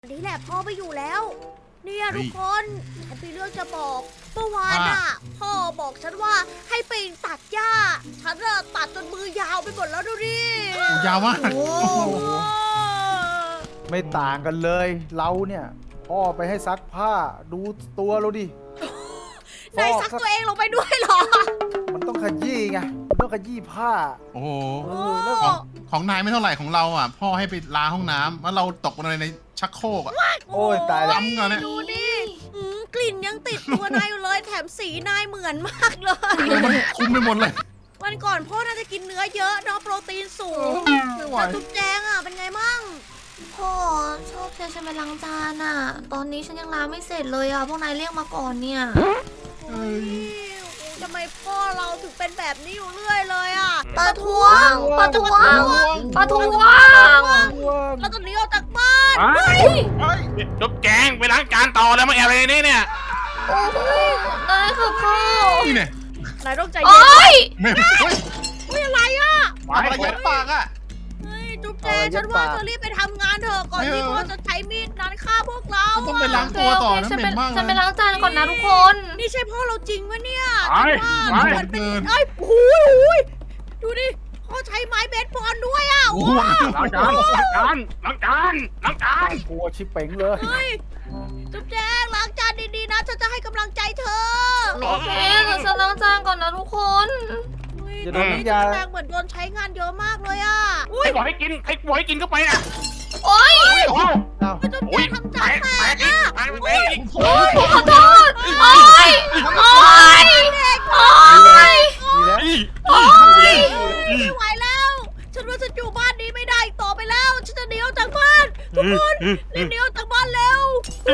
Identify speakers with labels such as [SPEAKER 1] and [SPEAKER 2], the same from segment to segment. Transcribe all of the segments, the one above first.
[SPEAKER 1] นี่แหละพ่อไม่อยู่แล้ว เนี่ยทุกคนฉันมีเรื่องจะบอกเมื่อวานอ่ะพ่อบอกฉันว่าให้ไปตัดหญ้าฉันอะตัดจนมือยาวไปหมดแล้วดูดิ
[SPEAKER 2] ยาวมาก
[SPEAKER 1] โอ้โห
[SPEAKER 3] ไม่ต่างกันเลย เราเนี่ยพ่อไปให้ซักผ้าดูตัวเราดิ
[SPEAKER 1] นายซักตัวเองลงไปด้วยเหรอ
[SPEAKER 3] มันต้องขยี้ไงมันต้องขยี้ผ้า
[SPEAKER 2] โอ้โห
[SPEAKER 3] เออแล้ว
[SPEAKER 2] ของนายไม่เท่าไหร่ของเราอ่ะ พ่อให้ไปล้างห้องน้ำแล้วเราตกลงในชักโครกอ่ะ
[SPEAKER 3] โอ้ยตายแล้ว
[SPEAKER 2] ล้ำกันเนี่ย
[SPEAKER 1] ดูดิกลิ่นยังติดตัวนายอยู่เลยแถมสีนายเหมือนมากเลย
[SPEAKER 2] มันคุ้มไปหมดเลย
[SPEAKER 1] วันก่อนพ่อน่าจะกินเนื้อเยอะเนาะโปรตีนสูง
[SPEAKER 2] ไม่ไหว
[SPEAKER 1] แล้วทุกแจงอ่ะเป็นไงมั่ง
[SPEAKER 4] พ่อชอบเชิญฉันไปล้างจานอ่ะ ตอนนี้ฉันยังล้างไม่เสร็จเลยอ่ะ พวกนายเรียกมาก่อนเนี่ย
[SPEAKER 1] โอ้ยทำไมพ่อเราถึงเป็นแบบนี้อยู่เรื่อยเลยอ่ะ
[SPEAKER 4] ประท้วง ประท้วง ประท้วง
[SPEAKER 1] เราต้องหนีออกจากบ้าน
[SPEAKER 5] เฮ้ยจุ๊บแจงไปล้างจานต่อแล้วมาแอบอะไรในนี่เนี่ย
[SPEAKER 4] โอ้ยนายค่ะพ่อ
[SPEAKER 2] นี่เนี่ย
[SPEAKER 1] นายต้องใจ
[SPEAKER 4] โอ๊
[SPEAKER 1] เย็น
[SPEAKER 4] ย
[SPEAKER 2] ไม่เฮ้ย
[SPEAKER 1] เฮ้ยอะไรอ่ะ
[SPEAKER 2] ทำอะไรยัดปากอ่ะ
[SPEAKER 1] เฮ้ยจุ๊บแจงฉันว่าเธอรีบไปทำงานเถอะก่อนที่พ่อจะใช้มีดนั้นฆ่าพวกเรา
[SPEAKER 2] ต้องไปล้างตัวต่อนะ
[SPEAKER 4] ฉัน
[SPEAKER 2] เห
[SPEAKER 4] ไป
[SPEAKER 2] ม็นมาก
[SPEAKER 4] ฉันไป
[SPEAKER 2] เลย
[SPEAKER 4] ล้างจานก่อนนะทุกคน
[SPEAKER 1] นี่ใช่พ่อเราจริงวะเนี่ย
[SPEAKER 5] ไป
[SPEAKER 1] ฉันว่า
[SPEAKER 5] ไป
[SPEAKER 1] มันเป็นเอ้ยโอ้ยดูดิพ่อใช้ไม้เบสบอลด้วยอ่ะ
[SPEAKER 2] โอ้โห
[SPEAKER 5] ล้างจานล้างจานล้างจานล้างจาน
[SPEAKER 3] กลัวชิบเป๋งเลย
[SPEAKER 1] เฮ้ยจุ๊บแจงล้างจานดีๆนะฉันจะให้กำลังใจเธอ
[SPEAKER 4] โอเคเดี๋ยวฉันล้างจานก่อนนะทุกคน
[SPEAKER 3] อย่าโดนน้ำยา
[SPEAKER 1] แรงเหมือนโดนใช้งานเยอะมากเลยอ่ะ
[SPEAKER 5] ใครบอกให้กินใครบอกให้กินเข้าไปน่ะ
[SPEAKER 4] โอ๊ย
[SPEAKER 5] โอ้โห
[SPEAKER 3] เอ้า
[SPEAKER 1] จุ๊บ
[SPEAKER 5] โอ้
[SPEAKER 1] แจ
[SPEAKER 5] ย
[SPEAKER 1] งทำ
[SPEAKER 5] แต
[SPEAKER 1] จาน
[SPEAKER 5] ก
[SPEAKER 1] แต
[SPEAKER 5] แต
[SPEAKER 1] ก
[SPEAKER 5] กอีก
[SPEAKER 1] อ่ะ
[SPEAKER 5] แตกไปอีก
[SPEAKER 4] ขอโทษ โอ๊ย โอ๊ย โอ๊ย
[SPEAKER 3] ดีแล้ว
[SPEAKER 4] โอ๊ย
[SPEAKER 1] ไม่ไหวแล้ว ฉันว่าฉันอยู่บ้านนี้ไม่ได้อีกต่อไปแล้ว ฉันจะหนีออกจากบ้าน ทุกคนรีบหนีออกจากบ้านเร็ว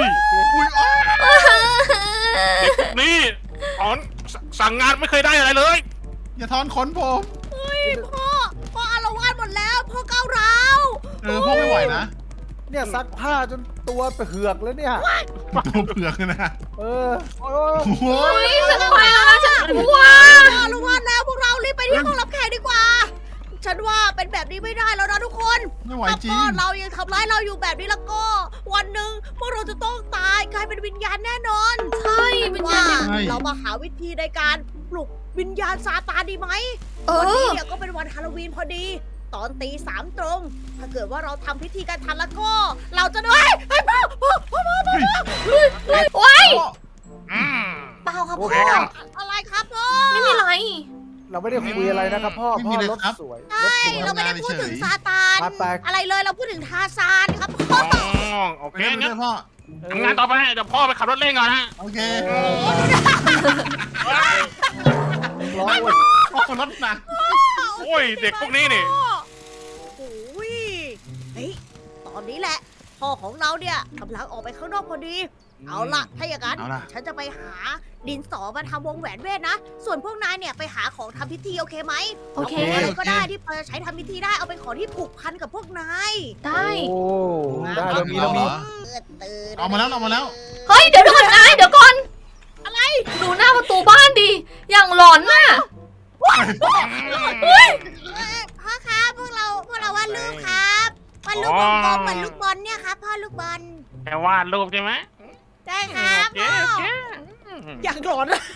[SPEAKER 5] นี่ถอนสั่งงานไม่เคยได้อะไรเลย
[SPEAKER 2] อย่าทอนขนผม
[SPEAKER 1] เฮ้ยพ่ออาละวาดหมดแล้ว พ่อก้าวร้าว
[SPEAKER 2] พ่อไม่ไหวนะ
[SPEAKER 3] เนี่ยซักผ้าจนตัวเผือกแล้วเนี่ย
[SPEAKER 2] ตัวเผือกเลยนะ
[SPEAKER 3] เออโอ้ย
[SPEAKER 2] โอ้โห
[SPEAKER 4] โอ๊ยฉันไปแล้วนะฉันกลัว
[SPEAKER 1] พ่ออาละวาดแล้วพวกเรารีบไปที่ห้องรับแขกดีกว่า ฉันว่าเป็นแบบนี้ไม่ได้แล้วนะทุกคน
[SPEAKER 2] ไม่ไหว
[SPEAKER 1] ถ้า
[SPEAKER 2] จริ
[SPEAKER 1] พ่อง เรายังทำร้ายเราอยู่แบบนี้แล้วก็ วันหนึ่งพวกเราจะต้องตายกลายเป็นวิญญาณแน่นอน
[SPEAKER 4] ใช่เป็น
[SPEAKER 1] ว่า
[SPEAKER 4] ยังไง
[SPEAKER 1] เรามาหาวิธีในการปลุกวิญญาณซาตานดีไหม
[SPEAKER 4] เอ
[SPEAKER 1] วันนี้
[SPEAKER 4] อ
[SPEAKER 1] เนี่ยก็เป็นวันฮาโลวีนพอดี ตอนตี 3 ตรง ถ้าเกิดว่าเราทำพิธีกันทันแล้วก็ เราจะได้เฮ้ยพ่อ
[SPEAKER 4] โอ๊ย
[SPEAKER 5] อืม
[SPEAKER 4] เปล่าครับ
[SPEAKER 3] โอ
[SPEAKER 4] พ่
[SPEAKER 3] เค
[SPEAKER 4] อ
[SPEAKER 3] ครับ
[SPEAKER 1] อะไรครับพ่อ
[SPEAKER 4] ไม่มีไร
[SPEAKER 3] เราไม่ได้คุยอะไรนะครับพ่อ
[SPEAKER 2] ไม่มี
[SPEAKER 3] พ่อ
[SPEAKER 2] เลย
[SPEAKER 3] รถ
[SPEAKER 2] ครับ
[SPEAKER 3] สวย
[SPEAKER 1] ใช่ เราไม่ได้พูดถึงซาตาน
[SPEAKER 3] ไป
[SPEAKER 1] อะไรเลยเราพูดถึงทาซานครับพ่อ
[SPEAKER 5] อ๋อโอ
[SPEAKER 2] ไป
[SPEAKER 5] เค
[SPEAKER 2] เล่น
[SPEAKER 5] งั้
[SPEAKER 2] ด้วน ยพ่อ
[SPEAKER 5] ทำงานต่อไปเดี๋ยวพ่อไปขับรถเล่นก่อนนะ
[SPEAKER 2] โอเค
[SPEAKER 3] ร้องเว้ย
[SPEAKER 2] พ่อคนรถหนัก
[SPEAKER 5] โอ้ยเด็กพวกนี้นี่
[SPEAKER 1] โอ้ยเฮ้ยตอนนี้แหละ พ่อของเราเนี่ยกำลังออกไปข้างนอกพอดี เอาล่ะ ถ้าอย่างนั้น
[SPEAKER 2] เอาล่ะ
[SPEAKER 1] ฉันจะไปหาดินสอมาทำวงแหวนเวทนะ ส่วนพวกนายเนี่ยไปหาของทำพิธีโอเคไหม
[SPEAKER 4] โอเค
[SPEAKER 1] าของอะไรก็ได้ที่พอจะใช้ทำพิธีได้ เอาเป็นของที่ผูกพันกับพวกนาย
[SPEAKER 4] ได้
[SPEAKER 3] โอ้ได้เรามีเรามี
[SPEAKER 1] ตื่น
[SPEAKER 2] เอามาแล้วเอามาแล้ว
[SPEAKER 4] เฮ้ย เดี๋ยวก่อนนายเดี๋ยวก่อน อะไร ดูหน้าประตูบ้านดิ อย่างหลอนน่ะ
[SPEAKER 1] พ่อครับพวกเราวาดรูปครับวาดรูปวงกลมเหมือนลูกบอลเนี่ยครับพ่อลูกบอล
[SPEAKER 5] แค่วาดรูปใช่ไหม
[SPEAKER 1] ได้ครับ
[SPEAKER 5] โอเค
[SPEAKER 1] พ่อ
[SPEAKER 5] โอเค
[SPEAKER 1] อยากหลอนอะ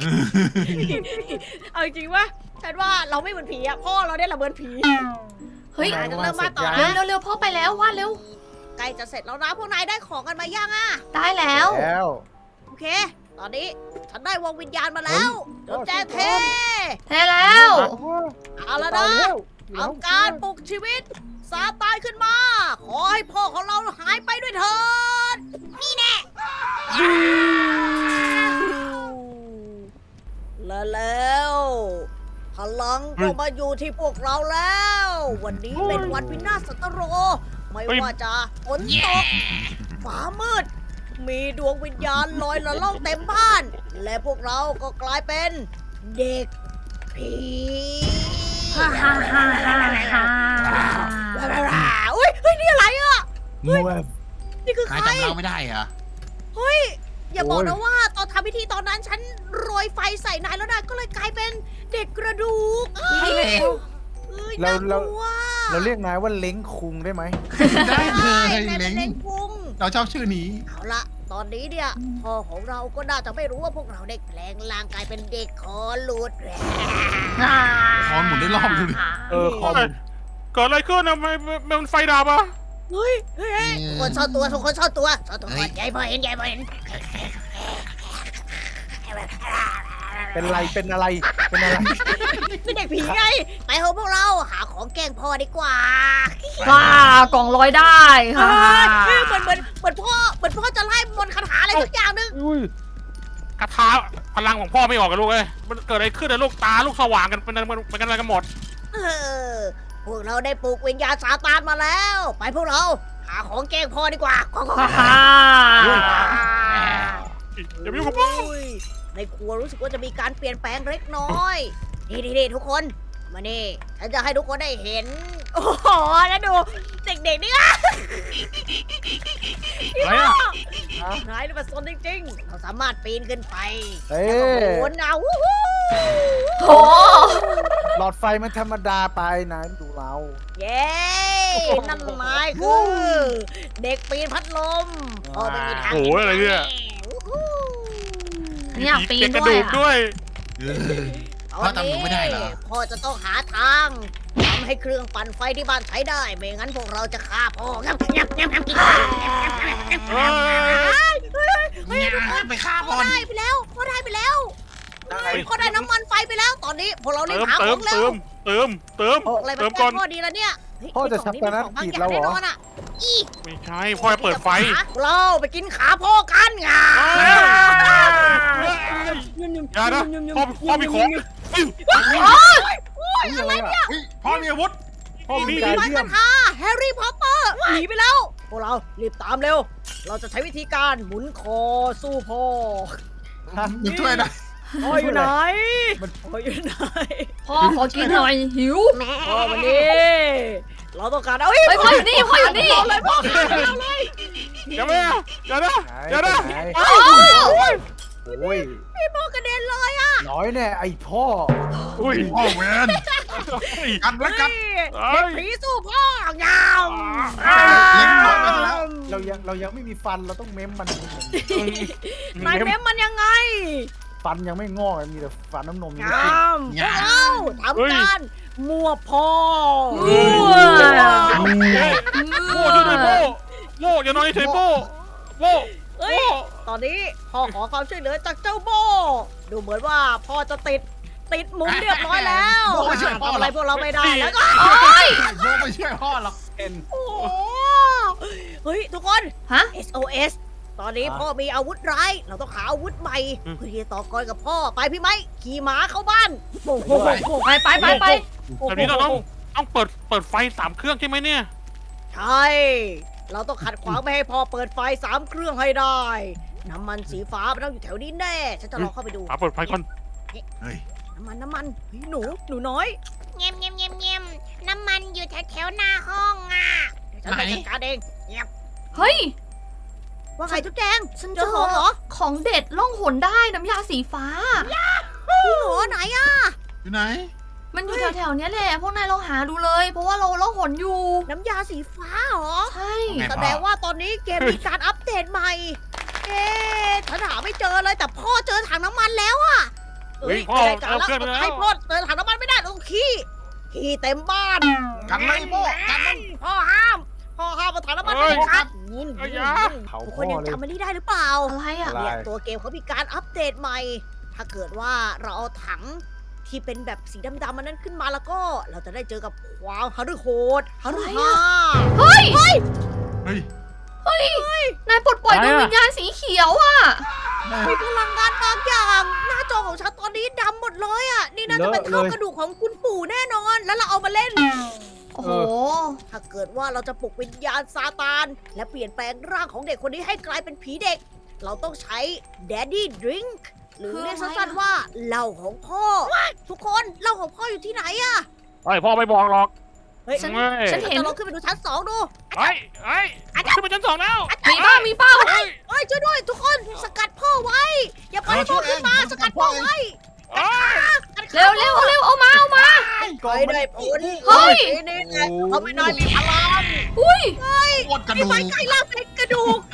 [SPEAKER 1] เอาจริงๆว่าฉันว่าเราไม่เหมือนผีอะพ่อเราเนี่ยแหละเหมือนผี
[SPEAKER 4] เฮ้ย
[SPEAKER 1] จะเริ่มมาต่อ
[SPEAKER 4] เร็ว
[SPEAKER 1] นะ
[SPEAKER 4] เร็วเร็วพ่อไปแล้ววาดเร็ว
[SPEAKER 1] ใกล้จะเสร็จแล้วนะพวกนายได้ของกันมายังอะ
[SPEAKER 4] ได้แล้ว
[SPEAKER 3] แล้ว
[SPEAKER 1] โอเค ตอนนี้ฉันได้วงวิญญาณมาแล้วเดี๋ยวแจ้เท
[SPEAKER 4] แท้แล้ว
[SPEAKER 1] เอาละ
[SPEAKER 3] ตาย
[SPEAKER 1] นะ
[SPEAKER 3] แล้ว
[SPEAKER 1] เอาการปลุกชีวิตซาตานขึ้นมา ขอให้พ่อของเราหายไปด้วยเถิดนี่แน่และแล้วพลังก็มาอยู่ที่พวกเราแล้ว วันนี้เป็นวันวินาศสันตโร ไม่ว่าจะฝนตกฟ้ามืด มีดวงวิญญาณลอยละล่องเต็มบ้าน และพวกเราก็กลายเป็นเด็กผี
[SPEAKER 4] ฮ่าฮ่าฮ่าฮ่าฮ่า
[SPEAKER 1] อุ้ยเฮ้ยนี่อะไรอ่ะ
[SPEAKER 3] มวย
[SPEAKER 1] นี่คือใค
[SPEAKER 2] นาย
[SPEAKER 1] ร
[SPEAKER 2] จำเราไม่ได้เหรอ
[SPEAKER 1] เฮ้ย อย่าบอก
[SPEAKER 3] โอ้
[SPEAKER 1] นะ
[SPEAKER 3] ย
[SPEAKER 1] ว่าตอนทำพิธีตอนนั้นฉันโรยไฟใส่นายแล้วนายก็เลยกลายเป็นเด็กกระดูก
[SPEAKER 2] ใช่แล้ว
[SPEAKER 1] เอ้ย
[SPEAKER 3] เรา
[SPEAKER 1] น่ากลัว
[SPEAKER 3] เราเรียกนายว่าเล้งคุงได้ไหม
[SPEAKER 2] ได้เล
[SPEAKER 1] ใช่
[SPEAKER 2] ย
[SPEAKER 1] นายเป็
[SPEAKER 2] เล้
[SPEAKER 1] น
[SPEAKER 2] ง
[SPEAKER 1] เล้งพุง
[SPEAKER 2] เราชอบชื่อนี้
[SPEAKER 1] เอาละตอนนี้เนี่ยพ่อของเราก็น่าจะไม่รู้ว่าพวกเราได้แปลงร่างกายเป็นเด็กคอหลุดแล้ว
[SPEAKER 2] คอนหมุนได้รอบดูดิ
[SPEAKER 3] คอม
[SPEAKER 5] เกิดอะไรขึ้นอะมันไฟดับอ่ะ
[SPEAKER 1] เฮ้ยทุกคนซ่อนตัวทุกคนซ่อนตัวก่อนยายพอเห็น
[SPEAKER 3] เป็นอะไรเป็นอะไร
[SPEAKER 1] เป็นเด็กผีไงไปเถอะพวกเราหาของแกล้งพ่อดีกว่า
[SPEAKER 4] ว้ากล่องลอยได้ค่ะ
[SPEAKER 1] เหมือนพ่อจะไล่มนต์คาถาอะไรสักอย่างนึง
[SPEAKER 3] อุ้ย
[SPEAKER 5] กระทาพลังของพ่อไม่ออกกันลูกเอ้ยมันเกิดอะไรขึ้นอะลูกตาลูกสว่างกันเป็นอะไรกันหมด
[SPEAKER 1] พวกเราได้ปลุกวิญญาณซาตานมาแล้ว ไปพวกเราหาของแกล้งพ่อดีกว่า
[SPEAKER 4] ฮ่า
[SPEAKER 5] อย่าไปยุ่งกับพ่อ
[SPEAKER 1] ในครัวรู้สึกว่าจะมีการเปลี่ยนแปลงเล็กน้อยนี่ทุกคนมานี่ฉันจะให้ทุกคนได้เห็นโอ้โหแล้วดูเด็กๆนี่อ่ะ
[SPEAKER 5] อะไรอะ
[SPEAKER 1] นายนี่มันซนจริงๆเราสามารถปีนขึ้นไป
[SPEAKER 3] เอ้
[SPEAKER 1] แล้วก็
[SPEAKER 3] ย
[SPEAKER 1] โหนเอาวู้ฮู้
[SPEAKER 4] โห
[SPEAKER 3] หลอดไฟมันธรรมดาไปนะดูเรา
[SPEAKER 1] เย้นั่นนายคือเด็กปีนพัดลมพ่อไม่มีทาง
[SPEAKER 5] โอ้ยอะไรเนี่ย
[SPEAKER 1] วู้ฮู้
[SPEAKER 4] นี่อยากปีน
[SPEAKER 5] กระ
[SPEAKER 4] ด้ว
[SPEAKER 5] ดู
[SPEAKER 4] ย
[SPEAKER 5] ก
[SPEAKER 4] อะ
[SPEAKER 5] ด้วย
[SPEAKER 2] พ่อจำหนูไม่ได้เหรอ
[SPEAKER 1] พ่อจะต้องหาทางทำให้เครื่องปั่นไฟที่บ้านใช้ได้ ไม่งั้นพวกเราจะฆ่าพ่องับกิน
[SPEAKER 5] เฮ้ย
[SPEAKER 2] ไปฆ่าพ่อ
[SPEAKER 1] ได้ไปแล้วพ่อได้ไปแล้วพ่อได้น้ำมันไฟไปแล้ว ตอนนี้พวกเรารีบหา
[SPEAKER 5] เติ
[SPEAKER 1] ข
[SPEAKER 5] ม
[SPEAKER 1] องแล้ว
[SPEAKER 5] เติม
[SPEAKER 1] อะไรมา
[SPEAKER 5] เติม
[SPEAKER 1] แก้
[SPEAKER 5] ก่อน
[SPEAKER 1] พ่อดีแล้วเนี่ยเฮ้ย
[SPEAKER 3] พ่อจะชับปนกิจแล้วเหรอ
[SPEAKER 1] แน่นอนอะอี
[SPEAKER 5] ไม่ใช่พ่อจะเปิดไฟ
[SPEAKER 1] เราไปกินขาพ่อกันไง
[SPEAKER 5] อย่านะพ่อมีของ
[SPEAKER 3] อะไรอ่ะ
[SPEAKER 2] พ่อมีอาวุธ
[SPEAKER 3] พ่อมี
[SPEAKER 1] มี
[SPEAKER 3] การ
[SPEAKER 1] ไม้
[SPEAKER 3] เยี่ย
[SPEAKER 1] กาม รทาแฮร์รี่พอตเตอร์หนีไปแล้ว พวกเรารีบตามเร็ว เราจะใช้วิธีการหมุนคอสู้พ่อ
[SPEAKER 2] มันช่วยได้
[SPEAKER 1] พ่ออยู่ไหนพ่ออยู่ไหน
[SPEAKER 4] พ่อขอกินหน่อยหิว
[SPEAKER 1] พ่อวันนี้ เราต้องการเอ้ย
[SPEAKER 4] เฮ้ยพ่ออยู่นี่พ่ออยู่นี่
[SPEAKER 1] เลยพ่อเลย
[SPEAKER 5] อย่านะอย่านะอย่านะ
[SPEAKER 3] ไหน
[SPEAKER 4] โอ้
[SPEAKER 3] โอ้ย
[SPEAKER 1] พี่พ่อกระเด็นเลยอ่ะ
[SPEAKER 3] น้อยแน่ไอ้พ่อ
[SPEAKER 5] อุ้ย
[SPEAKER 2] พ่อเวนกันแล้วกัน
[SPEAKER 1] เด็กผีสู้พ่อยาว
[SPEAKER 2] เล็งน้อยไปแล้ว
[SPEAKER 3] เรายังไม่มีฟันเราต้องเม้มมัน
[SPEAKER 1] นายเม้มมันยังไง
[SPEAKER 3] ฟันยังไม่งอกมีแต่ฟันน้ำนม
[SPEAKER 1] งามพวกเราทำการมั่วพ่อ
[SPEAKER 5] โม่ช่วยด้วยโม่อย่านอนเฉยโม่
[SPEAKER 1] เฮ้ย ตอนนี้พ่อขอความช่วยเหลือจากเจ้าโบ ดูเหมือนว่าพ่อจะติดมุมเรียบร้อยแล้วทำอะไรพวกเราไม่ได้แล้วก็
[SPEAKER 2] โบไม่ช่วยพ่อหรอก
[SPEAKER 1] โอ้โหเฮ้ย ทุกคน
[SPEAKER 4] ฮะ
[SPEAKER 1] SOS ตอนนี้พ่อมีอาวุธร้าย เราต้องหาอาวุธใหม่เพื่อที่จะต่อกรกับพ่อ ไปพี่ไม้ขี่ม้าเข้าบ้านโอ้โห
[SPEAKER 4] ไป
[SPEAKER 5] แบบนี้เราต้องเปิดไฟ3 เครื่องใช่ไหมเนี่ย
[SPEAKER 1] ใช่ เราต้องขัดขวางไม่ให้พ่อเปิดไฟ3 เครื่องให้ได้ น้ำมันสีฟ้ามันต้องอยู่แถวนี้แน่ ฉันจะลองเข้าไปดู
[SPEAKER 5] เปิดไฟก่อน
[SPEAKER 2] เฮ้ย
[SPEAKER 1] น้ำมันเฮ้ยหนูน้อยเงียบน้ำมันอยู่แถวหน้าห้องอ่ะฉันไปจัดการเองเงียบ
[SPEAKER 4] เฮ้ย
[SPEAKER 1] ว่าไงจุ๊บแจง
[SPEAKER 4] ฉัน
[SPEAKER 1] เจ
[SPEAKER 4] เจ
[SPEAKER 1] อ
[SPEAKER 4] อ
[SPEAKER 1] ของเหรอ
[SPEAKER 4] ของเด็ดล่องหนได้น้ำยาสีฟ้า
[SPEAKER 1] พี่หนูไหนอ่ะ
[SPEAKER 2] อยู่ไหน
[SPEAKER 4] มันอยู่แถวๆเนี้ยแหละพวกนายลองหาดูเลย เพราะว่าเราล่องหนอยู่
[SPEAKER 1] น้ำยาสีฟ้าเหรอ
[SPEAKER 4] ใช่
[SPEAKER 2] ไง
[SPEAKER 1] แสดงว่าตอนนี้เกมมีการอัปเดตใหม่ ฉันหาไม่เจอเลยแต่พ่อเจอถังน้ำมันแล้วอะ
[SPEAKER 5] เฮ้ยพ่อ
[SPEAKER 1] ไม่ได้การ
[SPEAKER 5] เอาเครื่องไปแล้ว
[SPEAKER 1] ให้พ่อเจอถังน้ำมันไม่ได้ต้องขี้เต็มบ้าน
[SPEAKER 2] กันเลยโบกันมัน
[SPEAKER 1] พ่อห้ามเอาถังน้ำมันไปคัด
[SPEAKER 3] เผา
[SPEAKER 1] ทุกค
[SPEAKER 3] พ่
[SPEAKER 1] น
[SPEAKER 3] อ
[SPEAKER 1] ยัง
[SPEAKER 3] เลย
[SPEAKER 1] จำมันนี้ได้หรือเปล่า
[SPEAKER 4] อะไรอ่ะ
[SPEAKER 3] อะไร
[SPEAKER 1] เนี่ยตัวเกมเขามีการอัปเดตใหม่ ถ้าเกิดว่าเราเอาถังที่เป็นแบบสีดำๆมันนั้นขึ้นมาแล้วก็เราจะได้เจอกับความหฤโหดหฤหา
[SPEAKER 4] เฮ้ย
[SPEAKER 2] เฮ้ย
[SPEAKER 4] นายปลดปล่อยดวงวิญญาณสีเขียวอ่ะ
[SPEAKER 1] มีพลังงานบางอย่าง หน้าจอของฉันตอนนี้ดำหมดเลยอ่ะ นี่น่าจะเป็นเท่ากระดูกของคุณปู่แน่นอน แล้วเราเอามาเล่น
[SPEAKER 4] โอ้โห
[SPEAKER 1] ถ้าเกิดว่าเราจะปลุกวิญญาณซาตาน และเปลี่ยนแปลงร่างของเด็กคนนี้ให้กลายเป็นผีเด็ก เราต้องใช้ Daddy Drink หรือเรียกสั้นๆว่าเหล้าของพ่อ ทุกคนเหล้าของพ่ออยู่ที่ไหนอะ
[SPEAKER 5] พ่อไม่บอกหรอก
[SPEAKER 1] เฮ้ย
[SPEAKER 4] ฉัน
[SPEAKER 5] เฮ้ย
[SPEAKER 4] ฉันเห็น
[SPEAKER 1] จะลองขึ้นไปดูชั้น 2 ดู
[SPEAKER 5] เฮ้ยขึ้นไปชั้น 2แล้ว
[SPEAKER 4] มีเป้า
[SPEAKER 1] เฮ้ยช่วยด้วยทุกคนสกัดพ่อไว้ อย่าปล่อยให้พ่อขึ้นมาสกัดพ่อไว้
[SPEAKER 4] เร็วเอามา
[SPEAKER 1] ไม่ได้ผล
[SPEAKER 4] เฮ้ย
[SPEAKER 1] นี่ไงเขาไม่น้อยมีพลัง
[SPEAKER 4] อุ้ย
[SPEAKER 2] โคตรกระ
[SPEAKER 1] พี่
[SPEAKER 2] ดู
[SPEAKER 1] ไม้
[SPEAKER 2] ก
[SPEAKER 1] ใกล้ล่างเป็นกระดูก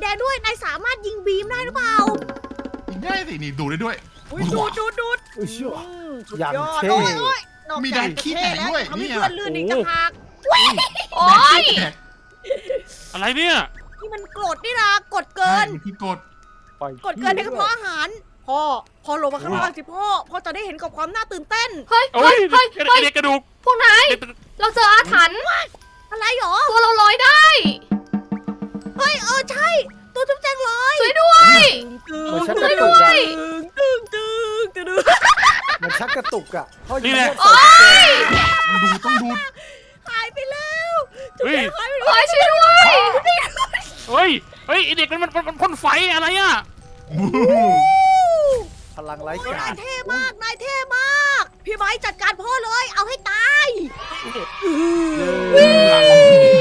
[SPEAKER 1] ดงด้วยนายสามารถยิงบีมได้หรือเปล่า
[SPEAKER 2] ง่ายสินี่ดูได้ด้วย
[SPEAKER 1] อุ๊ยดูด
[SPEAKER 3] อุ้ยเชื่อ
[SPEAKER 1] สุด
[SPEAKER 3] อย่าง
[SPEAKER 1] ยอด
[SPEAKER 3] เท่
[SPEAKER 1] โอ้ยนอก
[SPEAKER 2] มี
[SPEAKER 1] จาก
[SPEAKER 2] แดงขี้แตกด้วย
[SPEAKER 1] ทำให้
[SPEAKER 2] เนี่ย
[SPEAKER 1] เพื่อนลื่นอีกต่างหาก
[SPEAKER 4] โอ๊ย
[SPEAKER 5] อะไรเนี่ย
[SPEAKER 1] นี่มันกรดนี่นะกดเกิน
[SPEAKER 2] ใช่คือกด
[SPEAKER 1] กดเกินในกระเพาะอาหารพ่อลงมาข้างล่างสิพ่อจะได้เห็นกับความน่าตื่นเต้น
[SPEAKER 4] เฮ้ย
[SPEAKER 5] โอ้
[SPEAKER 4] เฮ้
[SPEAKER 5] ย
[SPEAKER 4] ยเฮ้ย
[SPEAKER 5] ไอ้
[SPEAKER 4] เฮ้ย
[SPEAKER 5] เด็กกระดูก
[SPEAKER 4] พวกนาย
[SPEAKER 5] เด็ก
[SPEAKER 4] เราเจออาถรรพ์
[SPEAKER 1] อะไรหรอ
[SPEAKER 4] ตัวเราลอยได้
[SPEAKER 1] เฮ้ยใช่ ตัวจุ๊บแจงลอย
[SPEAKER 4] ช่วยด้วย
[SPEAKER 3] มันชักก
[SPEAKER 4] ช่ว
[SPEAKER 3] ระ
[SPEAKER 4] ย
[SPEAKER 3] ตุ
[SPEAKER 4] ด้
[SPEAKER 3] ก
[SPEAKER 4] ว
[SPEAKER 3] อะ
[SPEAKER 4] ย
[SPEAKER 3] มันชักกระตุกอะพ่อ
[SPEAKER 2] นี่
[SPEAKER 3] ยิง
[SPEAKER 2] แหละ
[SPEAKER 3] ไม่ใส่กุญแจ
[SPEAKER 2] ต้องดู
[SPEAKER 1] หายไปแล้วจุ๊บ
[SPEAKER 5] เฮ้ย
[SPEAKER 1] แจงหายไป
[SPEAKER 4] เฮ้
[SPEAKER 1] แล้ว
[SPEAKER 4] ยช่วยด้วย
[SPEAKER 5] เฮ้ยไอ้เด็กมันพ่นไฟอะไรอ่ะ
[SPEAKER 3] พลังไร้กาน
[SPEAKER 1] าย
[SPEAKER 3] ร
[SPEAKER 1] เท่มากนายเท่มาก พี่ไม้จัดการพ่อเลย เอาให้ตาย
[SPEAKER 2] หลัง